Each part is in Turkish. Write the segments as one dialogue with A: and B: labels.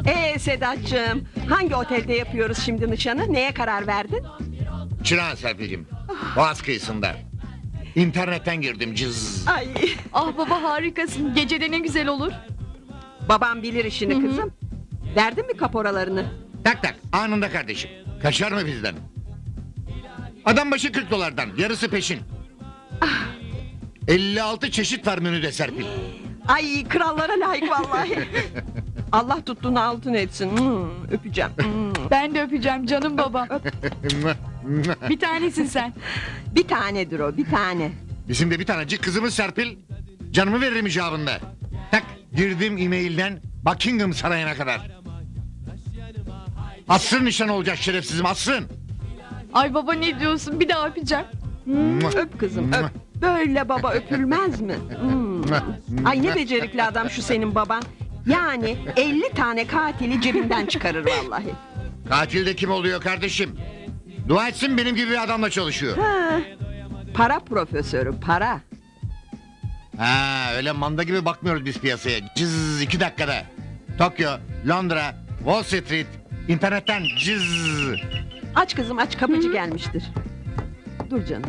A: Sedat'cığım, hangi otelde yapıyoruz şimdi nişanı? Neye karar verdin?
B: Çırağan Serpil'cim. Boğaz kıyısında. İnternetten girdim cız.
A: Ay,
C: Ah baba harikasın. Gecede ne güzel olur.
A: babam bilir işini kızım. Verdin mi kaporalarını?
B: Tak tak anında kardeşim. Kaçar mı bizden? Adam başı 40 dolardan yarısı peşin. 56 çeşit var menüde Serpil.
A: Ay, krallara layık vallahi. Allah tuttuğunu altın etsin. Öpeceğim.
C: Ben de öpeceğim canım baba. Bir tanesin sen.
A: Bir tanedir o, bir tane.
B: Bizim de bir tanecik kızımız Serpil. Canımı veririm icabında. Tak girdim e-mailden Buckingham Sarayı'na kadar. Asrın nişan olacak şerefsizim asrın.
C: Ay baba ne diyorsun? Bir daha öpeceğim.
A: Öp kızım, öp. Böyle baba öpülmez mi? Ay, ne becerikli adam şu senin baban. Yani 50 tane katili cebinden çıkarır vallahi.
B: Katil de kim oluyor kardeşim? Dua etsin benim gibi bir adamla çalışıyor.
A: Ha, para profesörü, para.
B: Ha öyle manda gibi bakmıyoruz biz piyasaya. Cız 2 dakikada. Tokyo, Londra, Wall Street, internetten cız.
A: Aç kızım, aç, kapıcı gelmiştir. Dur canım.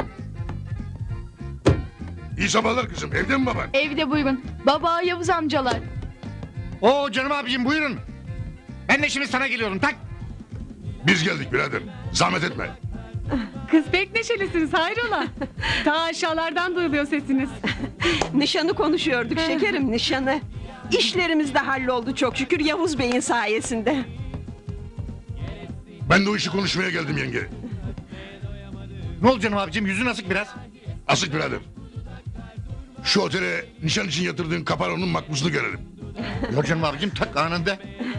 D: İyi sabahlar kızım. Evde mi baban?
C: Evde buyurun. Baba Yavuz amcalar.
B: Oo canım abicim buyurun. Ben de şimdi sana geliyorum tak.
D: Biz geldik birader. Zahmet etme.
E: Kız pek neşelisiniz hayrola? Ta aşağılardan duyuluyor sesiniz.
A: Nişanı konuşuyorduk şekerim, nişanı. İşlerimiz de halloldu çok şükür Yavuz Bey'in sayesinde.
D: Ben de o işi konuşmaya geldim yenge.
B: Ne oldu canım abicim yüzün asık biraz.
D: Asık birader. Şu otele nişan için yatırdığın kaparonun makbuzunu görelim.
B: Yok canım abicim tak anında.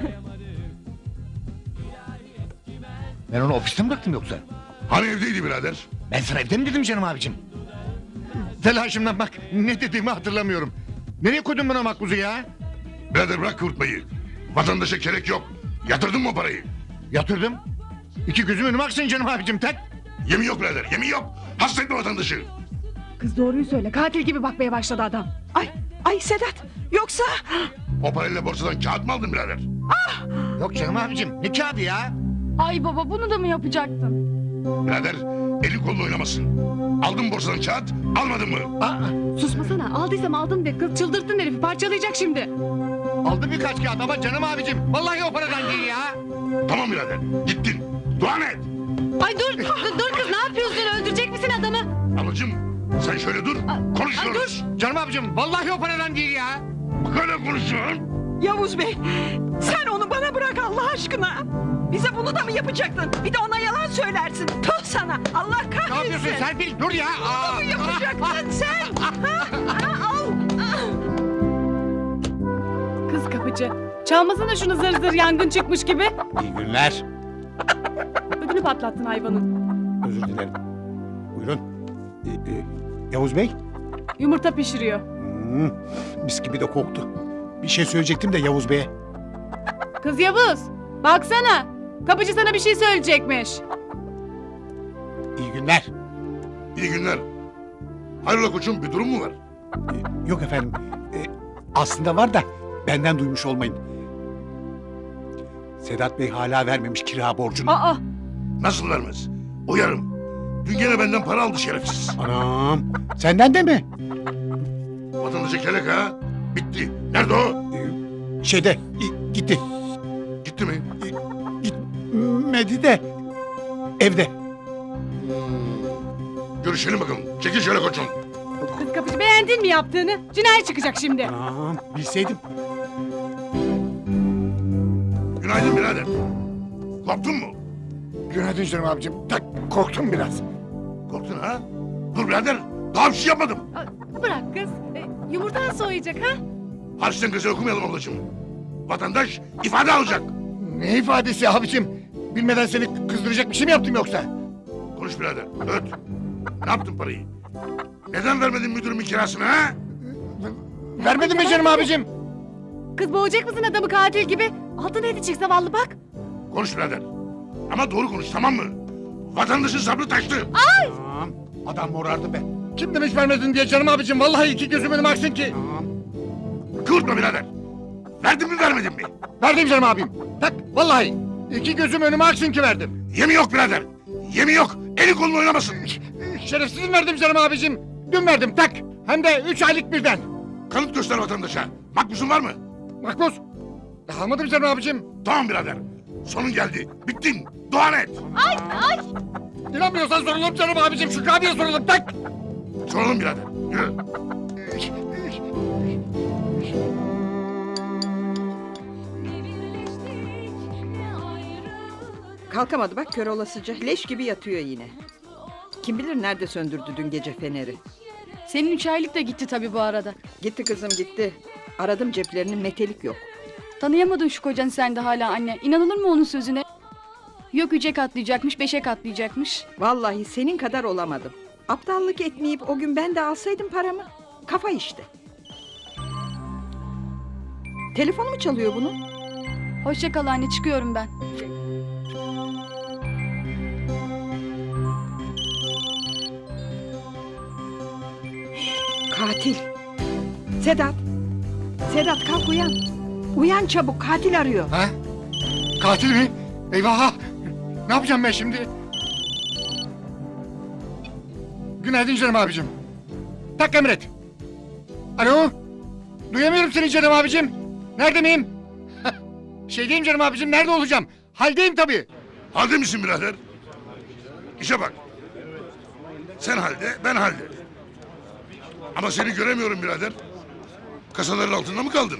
B: Ben onu ofiste mi bıraktım yoksa?
D: Hani evdeydi birader?
B: Ben sana evde mi dedim canım abicim? Telaşımdan bak ne dediğimi hatırlamıyorum. Nereye koydun buna makbuzu ya?
D: Birader bırak kıvırtmayı. Vatandaşa gerek yok. Yatırdın mı o parayı?
B: Yatırdım. 2 gözüm önüme aksın canım abicim tak.
D: Yemin yok birader. Yemin yok. Hasta etme vatandaşı.
E: Kız doğruyu söyle. Katil gibi bakmaya başladı adam.
A: Ay Sedat, yoksa...
D: O parayla borsadan kağıt mı aldın birader?
B: Yok canım abicim ne kağıdı ya?
C: Ay baba bunu da mı yapacaktın?
D: Birader elin kolunu oynamasın. Aldın borsadan kağıt almadın mı?
E: Susmasana. Aldıysam aldım de. Kız çıldırttın herifi. Parçalayacak şimdi.
B: Aldım birkaç kağıt ama canım abicim. Vallahi o paradan değil ya.
D: Tamam birader. Gittin. Dua et.
E: Ay dur. Dur kız ne yapıyorsun? Öldürecek misin adamı?
D: Ablacığım sen şöyle dur. Konuşuyoruz.
B: Canım abicim vallahi o paradan değil ya.
D: Bak öyle konuşuyorsun.
A: Yavuz Bey, sen onu bana bırak Allah aşkına. Bize bunu da mı yapacaktın? Bir de ona yalan söylersin. Tüh sana, Allah
B: Ne
A: kahretsin.
B: yapıyorsun Serpil dur ya.
A: Bunu mu yapacaktın sen? Al.
E: Kız kapıcı. Çalmasana şunu zır zır yangın çıkmış gibi.
F: İyi günler.
E: Ödünü patlattın hayvanın.
F: Özür dilerim. Buyurun. Yavuz Bey.
E: Yumurta pişiriyor.
F: Mis gibi de koktu. Bir şey söyleyecektim de Yavuz Bey'e.
E: Kız Yavuz. Baksana. Kapıcı sana bir şey söyleyecekmiş.
F: İyi günler.
D: İyi günler. Hayrola koçum bir durum mu var?
F: Yok efendim. Aslında var da benden duymuş olmayın. Sedat Bey hala vermemiş kira borcunu.
E: Aa.
D: Nasıl vermez? Uyarım. Dün gene benden para aldı şerefsiz.
F: Anam. Senden de mi?
D: Vatandaşa kelek ha. Bitti. Nerede o?
F: Şeyde gitti.
D: Gitti mi?
F: Gitmedi de evde.
D: Görüşelim bakalım. Çekil şöyle koçum.
E: Kız kapıcı beğendin mi yaptığını? Cinayet çıkacak şimdi.
F: Anam bilseydim.
D: Günaydın birader. Korktun mu?
B: Günaydın canım abicim. Tak korktum biraz.
D: Korktun ha? Dur birader. Daha bir şey yapmadım.
E: Bırak kız. Yumurtan soğuyacak ha?
D: Harçtan gazel okumayalım ablacığım. Vatandaş ifade alacak.
B: Ne ifadesi abicim? Bilmeden seni kızdıracak bir şey mi yaptım yoksa?
D: Konuş birader. Öt. Ne yaptın parayı? Neden vermedin müdürümün kirasını ha?
B: Vermedin mi canım abicim?
E: Kız boğacak mısın adamı katil gibi? Altına edecek zavallı bak.
D: Konuş birader. Ama doğru konuş tamam mı? Vatandaşın sabrı taştı.
F: Anam. Adam morardı be.
B: Kim demiş vermedin diye canım abicim? Vallahi 2 gözüm önüme aksın ki.
F: Anam.
D: Kıvırtma birader. Verdin mi vermedin mi?
F: Verdim canım abim. Tak vallahi. İki gözüm önüme aksın ki verdim.
D: Yemi yok birader. Yemi yok. Eli kolunu oynamasın.
F: Şerefsizim verdim canım abicim. Dün verdim tak. Hem de 3 aylık birden.
D: Kanıt göster vatandaşa. Makbusun var mı?
F: Makbuz. Almadım canım abicim.
D: Tamam birader. Sonun geldi. Bittin. Dua et.
F: İnanmıyorsan soralım canım abicim. Şükrü abiye soralım tak.
D: Soralım birader. Yürü.
A: Kalkamadı bak kör olasıca. Leş gibi yatıyor yine. Kim bilir nerede söndürdü dün gece feneri.
C: Senin 3 aylık da gitti tabii bu arada.
A: Gitti kızım gitti. Aradım ceplerinin metelik yok.
C: Tanıyamadın şu kocanı sen de hala anne. İnanılır mı onun sözüne? Yok 3'e katlayacakmış, 5'e katlayacakmış.
A: Vallahi senin kadar olamadım. Aptallık etmeyip o gün ben de alsaydım paramı. Kafa işte. Telefonu mu çalıyor bunun?
C: Hoşça kal anne, çıkıyorum ben.
A: Katil. Sedat. Sedat kalk uyan. Uyan çabuk katil arıyor.
F: Ha? Katil mi? Eyvah! Ne yapacağım ben şimdi? Günaydın canım abicim. Tak emret. Alo? Duyamıyorum seni canım abicim. Nerede miyim? Şeydeyim canım abicim, nerede olacağım? Haldeyim tabii.
D: Halde misin birader? İşe bak. Sen halde, ben halde. Ama seni göremiyorum birader. Kasaların altında mı kaldın?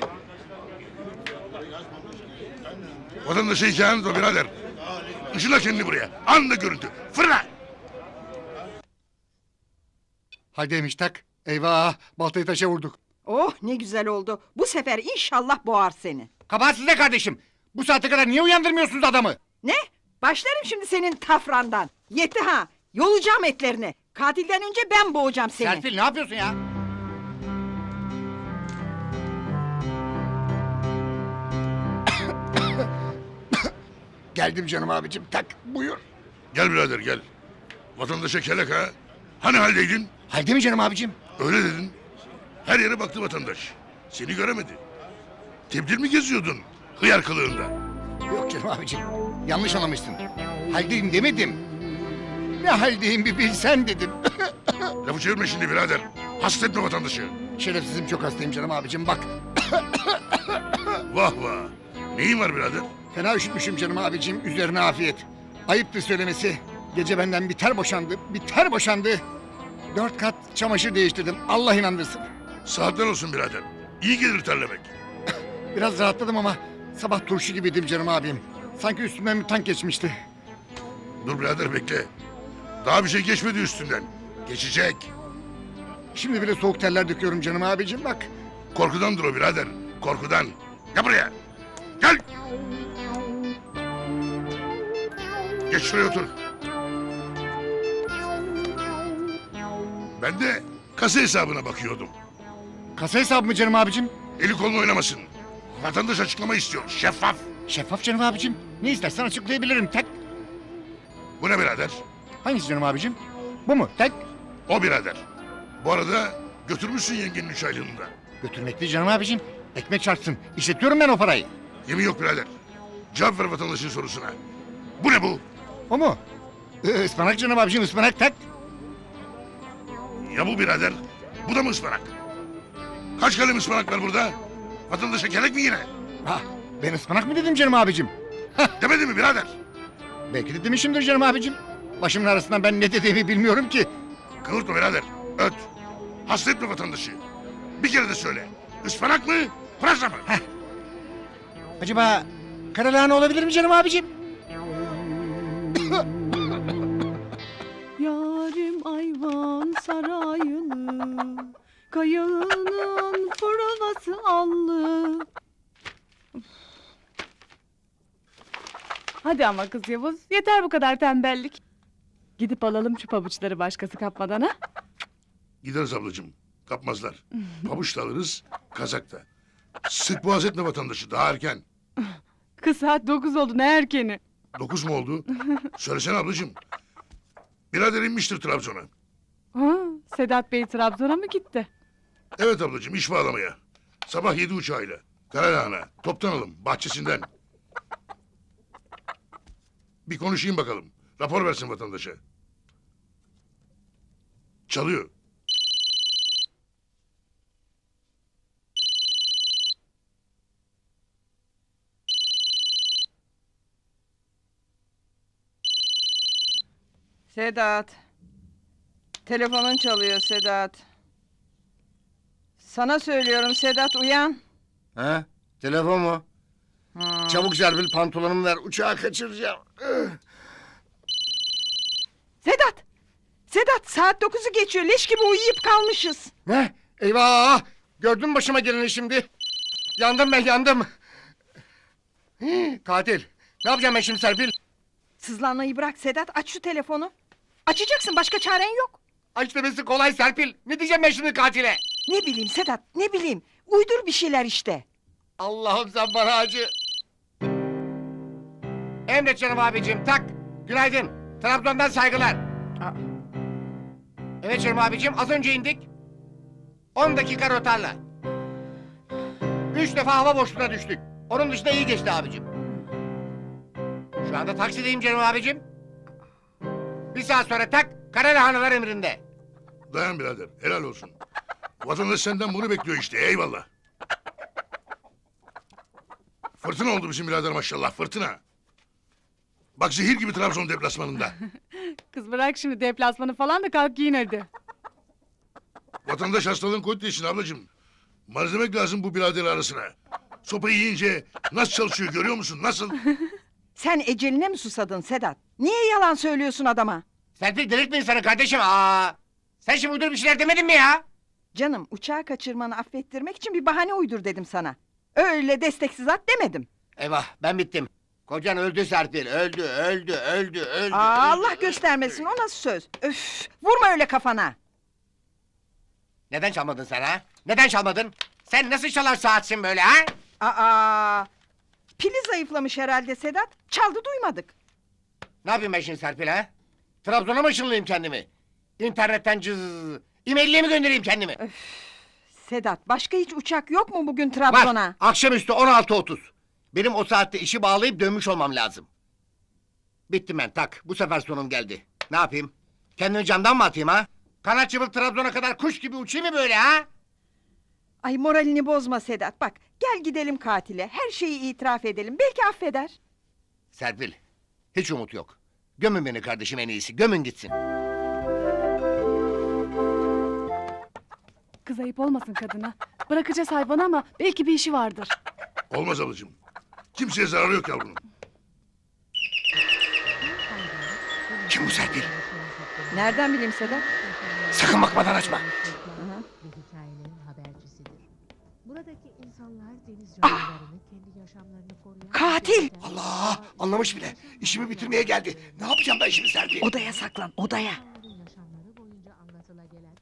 D: Vatandaşa hikayen o birader. Işıla kendini buraya. Anında görüntü. Fırla!
F: Haldeymiş tak. Eyvah! Baltayı taşa vurduk.
A: Oh ne güzel oldu. Bu sefer inşallah boğar seni.
F: Kabahat sizde kardeşim. Bu saate kadar niye uyandırmıyorsunuz adamı?
A: Ne? Başlarım şimdi senin tafrandan. Yetti ha. Yolacağım etlerini. Katilden önce ben boğacağım seni.
F: Serpil ne yapıyorsun ya? Geldim canım abicim tak buyur.
D: Gel birader gel. Vatandaşa kelek ha. Hani haldeydin?
F: Halde mi canım abicim?
D: Öyle dedin. Her yere baktı vatandaş. Seni göremedi. Tebdil mi geziyordun? Hıyar kılığında.
F: Yok canım abicim. Yanlış anlamışsın. Haldeyim demedim. Ne haldeyim bir bilsen dedim.
D: Lafı çevirme şimdi birader. Hasta etme vatandaşı.
F: Şerefsizim çok hastayım canım abicim bak.
D: Vah vah. Neyin var birader?
F: Fena üşütmüşüm canım abicim üzerine afiyet. Ayıptır söylemesi. Gece benden biter boşandı. Biter boşandı. 4 kat çamaşır değiştirdim. Allah inandırsın.
D: Saatler olsun birader. İyi gelir terlemek.
F: Biraz rahatladım ama sabah turşu gibiydim canım abim. Sanki üstümden bir tank geçmişti.
D: Dur birader bekle. Daha bir şey geçmedi üstünden. Geçecek.
F: Şimdi bile soğuk terler döküyorum canım abicim bak.
D: Korkudandır o birader. Korkudan. Gel buraya. Gel. Geç şuraya otur. Ben de kasa hesabına bakıyordum.
F: Kasa hesabı mı canım abicim?
D: Eli kolunu oynamasın. Vatandaş açıklama istiyor. Şeffaf.
F: Şeffaf canım abicim. Ne istersen açıklayabilirim tek.
D: Bu ne birader?
F: Hangisi canım abicim? Bu mu? Tek.
D: O birader. Bu arada götürmüşsün yengenin 3 aylığını da.
F: Götürmekli canım abicim. Ekmek çarpsın. İşletiyorum ben o parayı.
D: Yemin yok birader. Cevap ver vatandaşın sorusuna. Bu ne bu?
F: O mu? Ispanak canım abicim ıspanak tek.
D: Ya bu birader? Bu da mı ıspanak? Kaç kalem ıspanak var burada? Vatandaşa kelek mi yine?
F: Ha, ben ıspanak mı dedim canım abicim?
D: Demedi mi birader?
F: Belki de demişimdir canım abicim. Başımın arasından ben ne dediğimi bilmiyorum ki.
D: Kıvırtma birader. Öt. Hasta etme vatandaşı. Bir kere de söyle. Ispanak mı? Pırasa mı?
F: Acaba karalahana olabilir mi canım abicim?
E: Yarim ayvan sarayını, kayığının fırınası allı. Hadi ama kız Yavuz, yeter bu kadar tembellik. Gidip alalım şu pabuçları başkası kapmadan ha.
D: Gideriz ablacığım. Kapmazlar. Pabuç da alırız, kazak da. Sık boğaz etme vatandaşı. Daha erken.
E: Kız saat 9 oldu, ne erkeni.
D: 9 mu oldu? Söylesene ablacığım. Birader inmiştir Trabzon'a.
E: Ha, Sedat Bey Trabzon'a mı gitti?
D: Evet ablacığım iş bağlamaya. Sabah 7 uçağıyla. Karalahana, toptan alım, bahçesinden. Bir konuşayım bakalım. Rapor versin vatandaşa. Çalıyor.
A: Sedat. Telefonun çalıyor Sedat. Sana söylüyorum Sedat, uyan.
B: Ha? Telefon mu?
A: Ha.
B: Çabuk Serpil pantolonumu ver. Uçağı kaçıracağım.
A: Sedat! Sedat, saat 9'u geçiyor. Leş gibi uyuyup kalmışız.
F: Ne? Eyvah! Gördün mü başıma geleni şimdi? Yandım ben, yandım. Katil. Ne yapacağım ben şimdi Serpil?
A: Sızlanmayı bırak Sedat, aç şu telefonu. Açacaksın, başka çaren yok.
F: Aç demesi kolay Serpil. Ne diyeceğim ben şimdi katile?
A: Ne bileyim Sedat, ne bileyim. Uydur bir şeyler işte.
F: Allah'ım sen bana acı. Emret canım abicim, tak. Günaydın. Trabzon'dan saygılar.
A: Aa.
F: Evet canım abicim, az önce indik. 10 dakika rotarla. 3 defa hava boşluğuna düştük. Onun dışında iyi geçti abicim. Şu anda taksideyim canım abicim. Bir saat sonra tak, Karalahanalar emrinde.
D: Dayan birader, helal olsun. Vatandaş senden bunu bekliyor işte, eyvallah. Fırtına oldu bizim birader maşallah, fırtına. Bak zehir gibi Trabzon deplasmanında.
E: Kız bırak şimdi deplasmanı falan da kalk giyin hadi.
D: Vatandaş hastalığın koyduğu için ablacığım. Malzemek lazım bu birader arasına. Sopayı yiyince nasıl çalışıyor görüyor musun, nasıl?
A: Sen eceline mi susadın Sedat? Niye yalan söylüyorsun adama?
F: Serpil delirtme insanı kardeşim. Sen şimdi uydur bir şeyler demedin mi ya?
A: Canım, uçağı kaçırmanı affettirmek için bir bahane uydur dedim sana. Öyle desteksiz at demedim.
F: Eyvah, ben bittim. Kocan öldü Serpil, öldü.
A: Allah göstermesin, o nasıl söz? Öf, vurma öyle kafana.
F: Neden çalmadın sen ha? Neden çalmadın? Sen nasıl çalar saatsin böyle ha?
A: Aa, pili zayıflamış herhalde Sedat. Çaldı duymadık.
F: Ne yapayım ben şimdi Serpil ha? Trabzon'a mı ışınlayayım kendimi? İnternetten e-mail'le mi göndereyim kendimi?
A: Sedat, başka hiç uçak yok mu bugün
F: Var.
A: Trabzon'a?
F: Akşamüstü 16:30. Benim o saatte işi bağlayıp dönmüş olmam lazım. Bittim ben tak. Bu sefer sonum geldi. Ne yapayım? Kendimi camdan mı atayım ha? Kanat çırpıp Trabzon'a kadar kuş gibi uçayım mı böyle ha?
A: Ay moralini bozma Sedat. Bak, gel gidelim katile. Her şeyi itiraf edelim. Belki affeder.
F: Serpil, hiç umut yok. Gömün beni kardeşim en iyisi. Gömün gitsin.
E: Kız ayıp olmasın kadına. Bırakacağız hayvanı ama belki bir işi vardır.
D: Olmaz ablacığım. Kimseye zararı yok yavrunun.
F: Kim bu Serpil?
A: Nereden bileyim Sedat?
F: Sakın bakmadan açma.
G: Ve hikayelerin habercisidir. Buradaki insanlar deniz canlılarını kendi yaşamlarını koruyan...
A: Katil!
F: Allah! Anlamış bile. İşimi bitirmeye geldi. Ne yapacağım ben şimdi Serpil?
A: Odaya saklan, odaya.
G: İnsanların yaşamları boyunca anlatılabilen...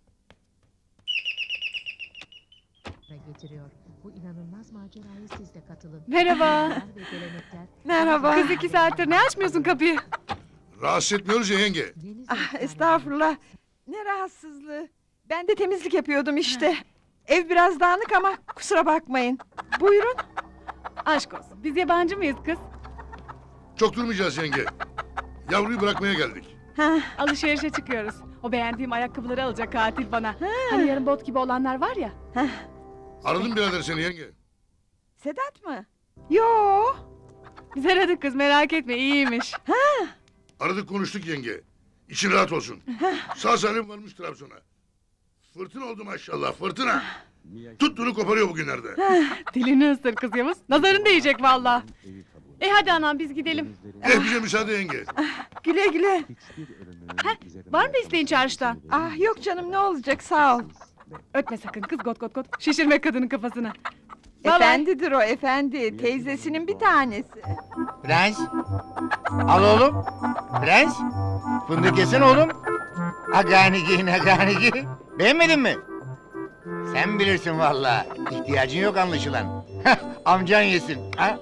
G: getiriyor. Bu inanılmaz macerayı siz de katılın.
E: Merhaba.
G: Ve gelenekler...
A: Merhaba.
E: Kız 2 saattir ne açmıyorsun kapıyı?
D: Rahatsız etmiyoruz ya yenge.
G: Deniz
A: Ah,
G: insanları-
A: estağfurullah. Ne rahatsızlığı. Ben de temizlik yapıyordum işte. Ev biraz dağınık ama kusura bakmayın. Buyurun.
E: Aşk olsun. Biz yabancı mıyız kız?
D: Çok durmayacağız yenge. Yavruyu bırakmaya geldik.
A: Hah,
E: Alışverişe çıkıyoruz. O beğendiğim ayakkabıları alacak katil bana. Hani yarın bot gibi olanlar var ya.
D: Aradım birader seni yenge.
A: Sedat mı? Yo.
E: Biz aradık kız merak etme iyiymiş.
D: Aradık konuştuk yenge. İçin rahat olsun. Sağ salim varmış Trabzon'a. Fırtına oldu maşallah, fırtına. Tuttuğunu koparıyor bugünlerde.
E: Dilini ısır kız Yavuz. Nazarın değecek valla. Hadi anam biz gidelim.
D: Bize müsaade yenge.
A: Güle güle.
E: Var mı isteğin çarşıda?
A: Ah yok canım, ne olacak, sağ ol.
E: Ötme sakın kız got got got. Şişirme kadının kafasını. Bye bye.
A: Efendidir o, efendi. Teyzesinin bir tanesi.
F: Prens. Al oğlum. Prens. Fındık yesene oğlum. Aganigi. Beğenmedin mi? Sen bilirsin vallahi. İhtiyacın yok anlaşılan. Amcan yesin. Ha?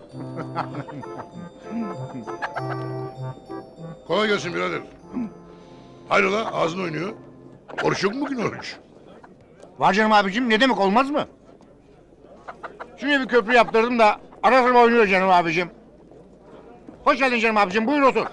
D: Kolay gelsin birader. Hayrola ağzın oynuyor. Oruç yok mu bugün oruç?
F: Var canım abicim ne demek olmaz mı? Şuraya bir köprü yaptırdım da ara sıra oynuyor canım abicim. Hoş geldin canım abicim, buyur otur.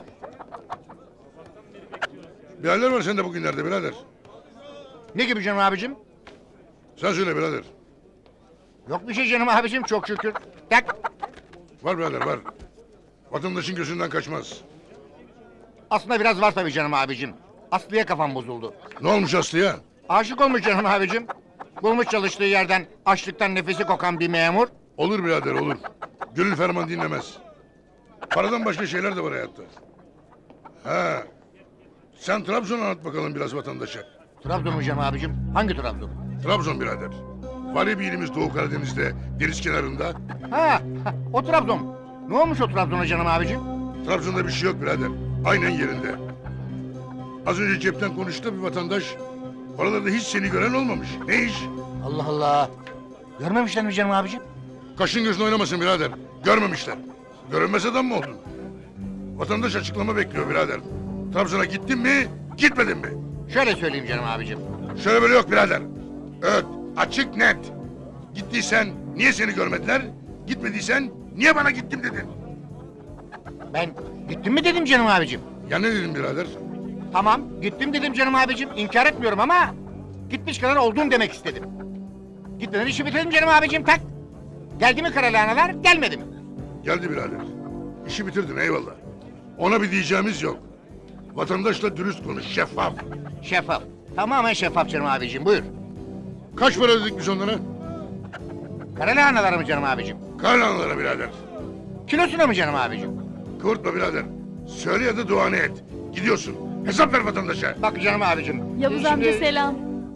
D: Bir haller var sende bugünlerde birader.
F: Ne gibi canım abicim?
D: Sen söyle birader.
F: Yok bir şey canım abicim, çok şükür. Tak.
D: Var birader var. Vatandaşın gözünden kaçmaz.
F: Aslında biraz var tabii canım abicim. Aslı'ya kafam bozuldu.
D: Ne olmuş Aslı'ya?
F: Aşık olmuş canım abicim. Bulmuş çalıştığı yerden açlıktan nefesi kokan bir memur.
D: Olur birader olur. Gönül ferman dinlemez. Paradan başka şeyler de var hayatta. Ha. Sen Trabzon'u anlat bakalım biraz vatandaşa.
F: Trabzon mu canım abicim? Hangi Trabzon?
D: Trabzon birader. Var ya bir ilimiz Doğu Karadeniz'de, deniz kenarında.
F: Ha, o Trabzon. Ne olmuş o Trabzon'a canım abicim?
D: Trabzon'da bir şey yok birader. Aynen yerinde. Az önce cepten konuştu bir vatandaş. Oralarda hiç seni gören olmamış. Ne iş?
F: Allah Allah. Görmemişler mi canım abicim?
D: Kaşın gözün oynamasın birader. Görmemişler. Görünmez adam mı oldun? Vatandaş açıklama bekliyor birader. Trabzon'a gittin mi, gitmedin mi?
F: Şöyle söyleyeyim canım abicim.
D: Şöyle böyle yok birader. Evet, açık net. Gittiysen niye seni görmediler? Gitmediysen niye bana gittim dedin?
F: Ben gittim mi dedim canım abicim.
D: Ya ne dedim birader?
F: Tamam, gittim dedim canım abicim. İnkar etmiyorum ama gitmiş kadar olduğum demek istedim. Gitmeden işi bitirdim canım abicim, tak. Geldi mi karalahanalar, gelmedi mi?
D: Geldi birader. İşi bitirdin eyvallah. Ona bir diyeceğimiz yok. Vatandaşla dürüst konuş, şeffaf.
F: Şeffaf. Tamamen şeffaf canım abicim, buyur.
D: Kaç para ödedik biz onlara?
F: Karalahanalar mı canım abicim?
D: Karlanlara birader.
F: Kilosuna mı canım abicim?
D: Kıvırtma birader. Söyle ya da duanı et. Gidiyorsun. Hesap ver vatandaşa.
F: Bak canım abicim.
C: Yavuz
F: şimdi-
C: amca selam.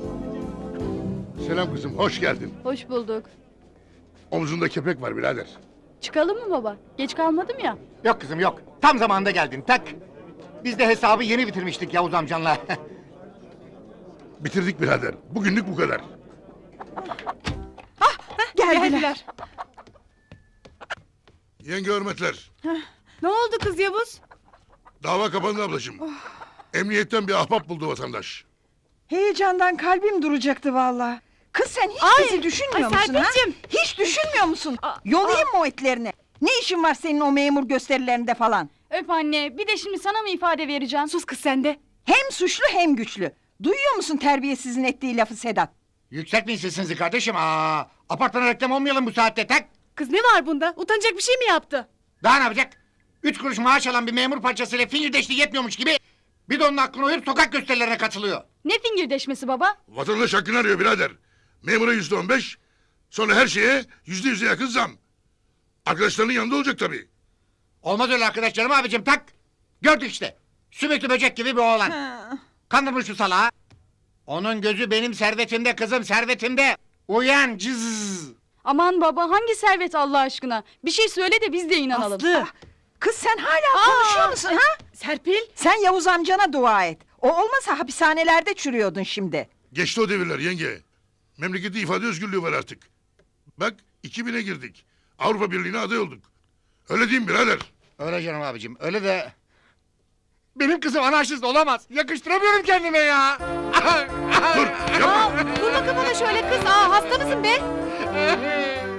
D: Selam kızım, hoş geldin.
C: Hoş bulduk.
D: Omzunda kepek var birader.
C: Çıkalım mı baba? Geç kalmadım ya.
F: Yok kızım yok. Tam zamanında geldin, tak. Biz de hesabı yeni bitirmiştik Yavuz amcanla.
D: Bitirdik birader. Bugünlük bu kadar.
E: Geldiler.
D: Yenge hürmetler.
E: Ne oldu kız Yavuz?
D: Dava kapandı ablacığım. Emniyetten bir ahbap buldu vatandaş.
H: Heyecandan kalbim duracaktı vallahi. Kız sen hiç bizi düşünmüyor
E: ay
H: musun ha?
E: Serpil'cim.
H: Hiç düşünmüyor musun? Yolayım mı o etlerini? Ne işin var senin o memur gösterilerinde falan?
C: Öp anne, bir de şimdi sana mı ifade vereceğim?
E: Sus kız sen de.
H: Hem suçlu hem güçlü. Duyuyor musun terbiyesizin ettiği lafı Sedat?
F: Yükseltmeyin sesinizi kardeşim. Apartmana reklam olmayalım bu saatte, tak.
E: Kız ne var bunda? Utanacak bir şey mi yaptı?
F: Daha ne yapacak? 3 kuruş maaş alan bir memur parçasıyla fingirdeşliği yetmiyormuş gibi... ...bir de onun aklına uyup sokak gösterilerine katılıyor.
C: Ne fingirdeşmesi baba?
D: Vatandaş hakkını arıyor birader. Memura %15, sonra her şeye %100'e yakın zam. Arkadaşlarının yanında olacak tabii.
F: Olmaz öyle arkadaş canım abicim, tak. Gördük işte. Sümüklü böcek gibi bir oğlan. Kandırmış şu salağı. Onun gözü benim servetimde kızım, servetimde. Uyan cız.
C: Aman baba, hangi servet Allah aşkına? Bir şey söyle de biz de inanalım.
H: Aslı. Kız sen hala konuşuyor musun ha?
E: Serpil.
H: Sen Yavuz amcana dua et. O olmasa hapishanelerde çürüyordun şimdi.
D: Geçti o devirler yenge. Memlekette ifade özgürlüğü var artık. Bak 2000'e girdik. Avrupa Birliği'ne aday olduk. Öyle değil mi birader?
F: Öyle canım abicim, öyle de... Benim kızım anarşist olamaz. Yakıştıramıyorum kendime ya.
D: Dur yapma.
E: Vurma kafana şöyle kız. Hasta mısın be?